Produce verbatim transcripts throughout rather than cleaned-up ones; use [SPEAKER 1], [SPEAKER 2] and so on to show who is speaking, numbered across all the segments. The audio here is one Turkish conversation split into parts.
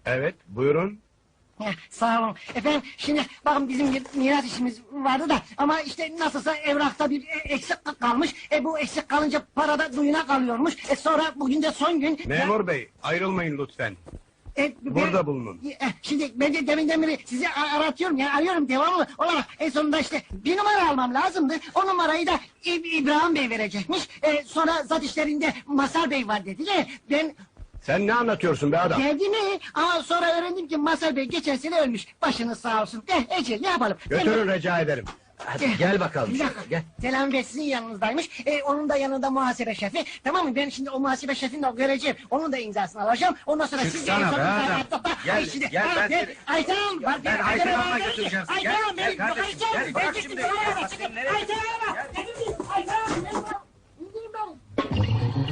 [SPEAKER 1] Evet, buyurun.
[SPEAKER 2] Heh, sağ olun. Efendim şimdi bakın bizim bir miras işimiz vardı da ama işte nasılsa evrakta bir e, eksik kalmış. E bu eksik kalınca parada duyuna kalıyormuş. E sonra bugün de son gün.
[SPEAKER 1] Memur bey, ayrılmayın lütfen.
[SPEAKER 2] E, ben-
[SPEAKER 1] Burada bulunun.
[SPEAKER 2] E, şimdi ben de deminden beri sizi a- aratıyorum yani arıyorum devamlı olarak en sonunda işte bir numara almam lazımdı. O numarayı da İ- İbrahim Bey verecekmiş. E, sonra zat işlerinde Masar Bey var dediler. Ben
[SPEAKER 1] Sen ne anlatıyorsun be adam?
[SPEAKER 2] geldi mi? Ama sonra öğrendim ki Masar Bey geçen sene ölmüş. Başınız sağ olsun. Eh Ece ne yapalım?
[SPEAKER 1] Götürün rica ederim.
[SPEAKER 3] Hadi gel bakalım.
[SPEAKER 2] Bir dakika.
[SPEAKER 3] Gel.
[SPEAKER 2] Selam Bey sizin yanınızdaymış. E, onun da yanında muhasebe şefi. Tamam mı? Ben şimdi o muhasebe şefini de göreceğim. Onun da imzasını alacağım. Ondan sonra siz...
[SPEAKER 3] Çıksana
[SPEAKER 2] en son
[SPEAKER 3] be
[SPEAKER 2] imzayı
[SPEAKER 3] adam.
[SPEAKER 2] atlatma.
[SPEAKER 3] Gel,
[SPEAKER 2] Ay, şimdi-
[SPEAKER 3] gel,
[SPEAKER 2] Ha,
[SPEAKER 3] ben
[SPEAKER 2] ben-
[SPEAKER 3] seni-
[SPEAKER 2] Ayten Hanım.
[SPEAKER 3] Ya,
[SPEAKER 2] bak,
[SPEAKER 3] ben
[SPEAKER 2] Ayten
[SPEAKER 3] Ayten
[SPEAKER 2] Hanım'a
[SPEAKER 3] Hanım'a
[SPEAKER 2] geldim.
[SPEAKER 3] götüreceğim seni.
[SPEAKER 2] Ayten
[SPEAKER 3] Gel,
[SPEAKER 2] Hanım,
[SPEAKER 3] gel
[SPEAKER 2] beni-
[SPEAKER 3] kardeşim,
[SPEAKER 2] Ayten Hanım,
[SPEAKER 3] gel, bırak
[SPEAKER 2] ben
[SPEAKER 3] şimdi.
[SPEAKER 2] gittim,
[SPEAKER 3] Gel,
[SPEAKER 2] bana
[SPEAKER 3] bak
[SPEAKER 2] çıkın.
[SPEAKER 3] şimdi nereye
[SPEAKER 2] Ayten Hanım'a. Dedim ki, Ayten Hanım, ben- İndirin beni.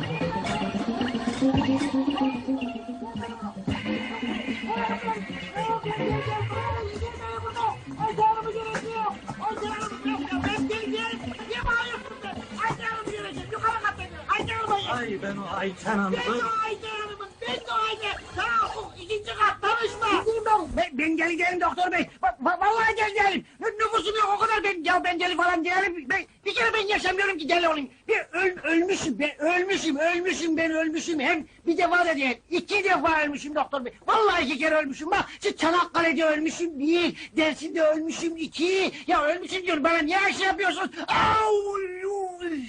[SPEAKER 3] Ay ben o Ayten Hanım'ı...
[SPEAKER 2] Ben, ben gel değilim doktor bey. Va- va- vallahi gel değilim. Nü- Nüfusum yok o kadar. Ben ya ben deli falan değilim. Ben, bir kere ben yaşamıyorum ki deli olayım. Bir öl, ölmüşüm ben ölmüşüm ölmüşüm ben ölmüşüm. Hem bir defa da değil iki defa ölmüşüm doktor bey. Vallahi iki kere ölmüşüm. Bak şu Çanakkale'de ölmüşüm bir. Dersim'de ölmüşüm iki. Ya ölmüşüm diyorum bana niye şey yapıyorsun? Au, uy.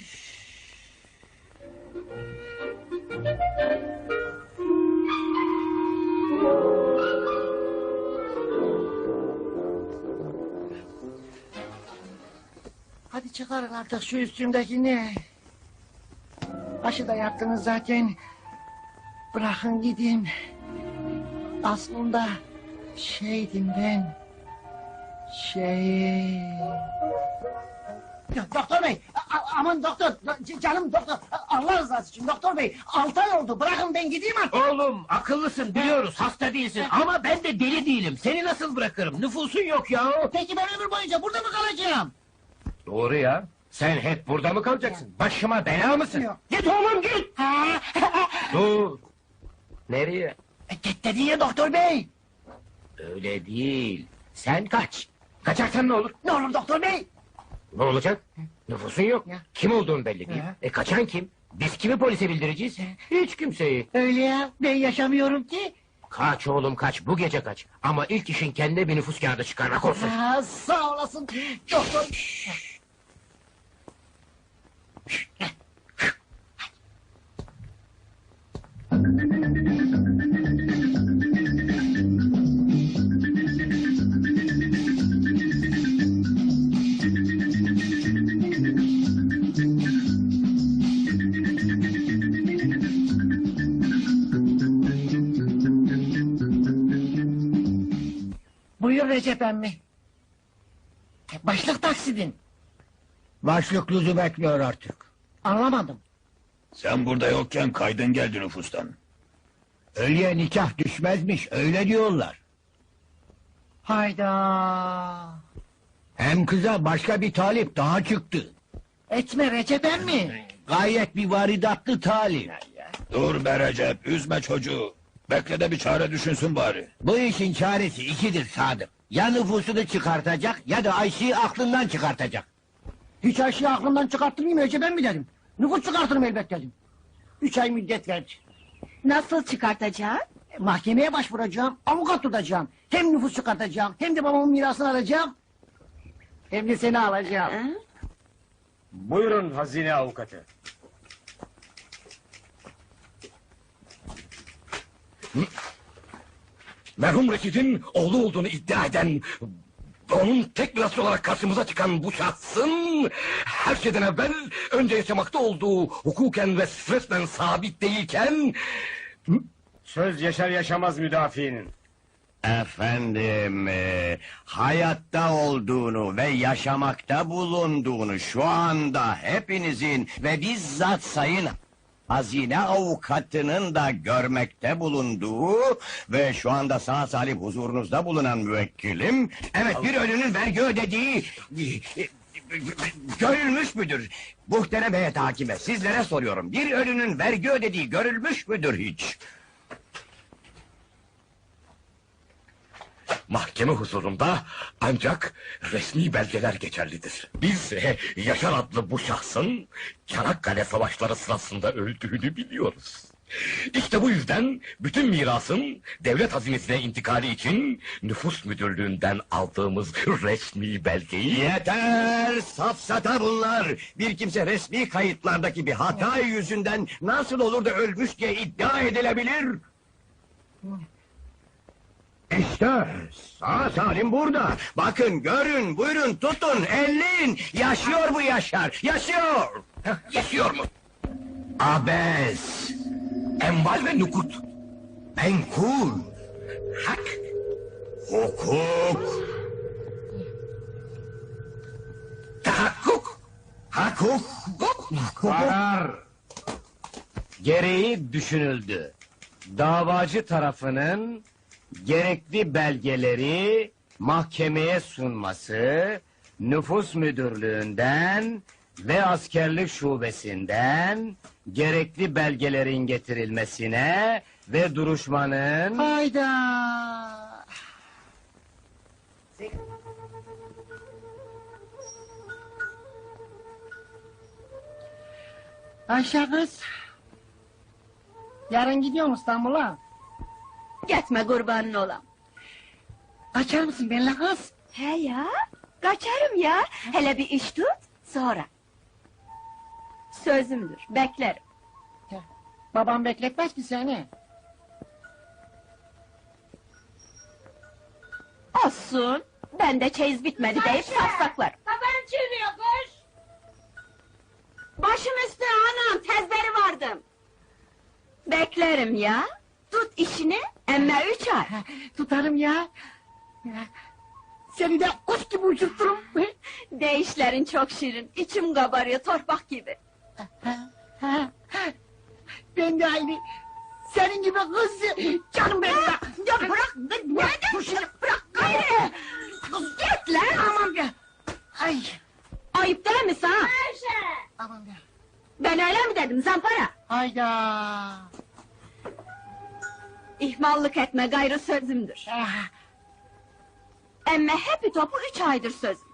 [SPEAKER 2] Hadi çıkarın artık şu üstümdekini. Başı da yaktınız zaten. Bırakın gideyim. Aslında şeydim ben. Şey... Ya, doktor bey, a- a- aman doktor, c- canım doktor, a- Allah rızası için doktor bey, altı ay oldu, bırakın ben gideyim artık.
[SPEAKER 3] Oğlum akıllısın biliyoruz hasta değilsin ama ben de deli değilim. Seni nasıl bırakırım? Nüfusun yok ya.
[SPEAKER 2] Peki ben ömür boyunca burada mı kalacağım?
[SPEAKER 3] Doğru ya. Sen hep burada mı kalacaksın? Başıma bela mısın?
[SPEAKER 2] Yok.
[SPEAKER 3] Git oğlum git.
[SPEAKER 2] Ha?
[SPEAKER 3] Dur. Nereye?
[SPEAKER 2] E, Git dedi ya doktor bey.
[SPEAKER 3] Öyle değil. Sen kaç. Kaçarsan ne olur?
[SPEAKER 2] Ne olur doktor bey?
[SPEAKER 3] Ne olacak? Nüfusun yok.
[SPEAKER 2] Ya.
[SPEAKER 3] Kim olduğun belli değil.
[SPEAKER 2] Ya.
[SPEAKER 3] E kaçan kim? Biz kimi polise bildireceğiz? Hiç kimseyi.
[SPEAKER 2] Öyle ya, ben yaşamıyorum ki.
[SPEAKER 3] Kaç oğlum kaç, bu gece kaç. Ama ilk işin kendine bir nüfus kağıdı çıkarmak olsun.
[SPEAKER 2] Ha, sağ olasın doktor. Buyur Recep emmi. Başlık taksidin.
[SPEAKER 4] Başlık lüzum bekliyor artık.
[SPEAKER 2] Anlamadım.
[SPEAKER 5] Sen burada yokken kaydın geldi nüfustan.
[SPEAKER 4] Ölüye nikah düşmezmiş, öyle diyorlar.
[SPEAKER 2] Hayda.
[SPEAKER 4] Hem kıza başka bir talip daha çıktı.
[SPEAKER 2] Etme Recep emmi.
[SPEAKER 4] Gayet bir varidatlı talip.
[SPEAKER 5] Dur be Recep, üzme çocuğu. Bekle de bir çare düşünsün bari.
[SPEAKER 4] Bu işin çaresi ikidir Sadık. Ya nüfusunu çıkartacak ya da Ayşe'yi aklından çıkartacak.
[SPEAKER 2] Hiç her şeyi aklımdan çıkarttırmayayım Recep emmi dedim. Nüfus çıkartırım elbet dedim. Üç ay müddet verdi.
[SPEAKER 6] Nasıl çıkartacağım?
[SPEAKER 2] E, Mahkemeye başvuracağım, avukat tutacağım. Hem nüfus çıkartacağım, hem de babamın mirasını alacağım. Hem de seni alacağım.
[SPEAKER 6] Ha?
[SPEAKER 1] Buyurun hazine avukatı.
[SPEAKER 7] Merhum Reşit'in oğlu olduğunu iddia eden... ...onun tek mirasçı olarak karşımıza çıkan bu şahsın... ...her şeyden evvel önce yaşamakta olduğu hukuken ve resmen sabit değilken...
[SPEAKER 1] Söz yaşar yaşamaz müdafiinin.
[SPEAKER 8] Efendim, e, hayatta olduğunu ve yaşamakta bulunduğunu şu anda hepinizin ve bizzat sayın hazine avukatının da görmekte bulunduğu ve şu anda sağ salim huzurunuzda bulunan müvekkilim, evet bir ölünün vergi ödediği e, görülmüş müdür? Muhterem heyet hakime, sizlere soruyorum, bir ölünün vergi ödediği görülmüş müdür hiç?
[SPEAKER 7] mahkeme huzurunda ancak resmi belgeler geçerlidir. Biz e, Yaşar adlı bu şahsın Çanakkale savaşları sırasında öldüğünü biliyoruz. İşte bu yüzden bütün mirasın devlet hazinesine intikali için nüfus müdürlüğünden aldığımız resmi belgeyi...
[SPEAKER 8] Yeter! Safsata bunlar! Bir kimse resmi kayıtlardaki bir hata yüzünden nasıl olur da ölmüş diye iddia edilebilir? İşte sağ salim burada. Bakın, görün, buyurun, tutun, elleyin. Yaşıyor bu Yaşar, yaşıyor!
[SPEAKER 7] Yaşıyor mu?
[SPEAKER 8] Abes,
[SPEAKER 7] Enval ve nukut.
[SPEAKER 8] menkul,
[SPEAKER 7] Hak.
[SPEAKER 8] hukuk,
[SPEAKER 7] Tahakkuk.
[SPEAKER 8] hakuk,
[SPEAKER 1] Karar gereği düşünüldü. Davacı tarafının gerekli belgeleri mahkemeye sunması, nüfus müdürlüğünden ve askerlik şubesinden gerekli belgelerin getirilmesine ve duruşmanın...
[SPEAKER 2] Hayda. Ayşe kız. Yarın gidiyorum İstanbul'a.
[SPEAKER 6] Gitme kurbanın olam.
[SPEAKER 2] Kaçar mısın benimle kız?
[SPEAKER 6] He ya, kaçarım ya. Hele bir iş tut, sonra. Sözümdür, beklerim.
[SPEAKER 2] Babam bekletmez ki seni.
[SPEAKER 6] Olsun, ben de çeyiz bitmedi deyip safsaklarım.
[SPEAKER 9] Kafam çürüyor koş.
[SPEAKER 6] Başım üstüne anam, tezberi vardım. Beklerim ya. Tut işini, emme üç ay.
[SPEAKER 2] Tutarım ya. Seni de kuş gibi uçurturum.
[SPEAKER 6] Değişlerin çok şirin, içim kabarıyor torpak gibi.
[SPEAKER 2] Ben de aynı. Senin gibi kız. Canım benim ya. Ya bırak. Bırak. Dur şimdi. Bırak.
[SPEAKER 6] Gayrı! Git lan!
[SPEAKER 2] Aman be. Ay.
[SPEAKER 6] Ayıp değil mi sana?
[SPEAKER 9] Ayşe.
[SPEAKER 2] Aman be.
[SPEAKER 6] Ben öyle mi dedim zampara?
[SPEAKER 2] Hayda.
[SPEAKER 6] İhmallık etme gayrı sözümdür.
[SPEAKER 2] Ah.
[SPEAKER 6] Emme hepi topu üç aydır sözüm.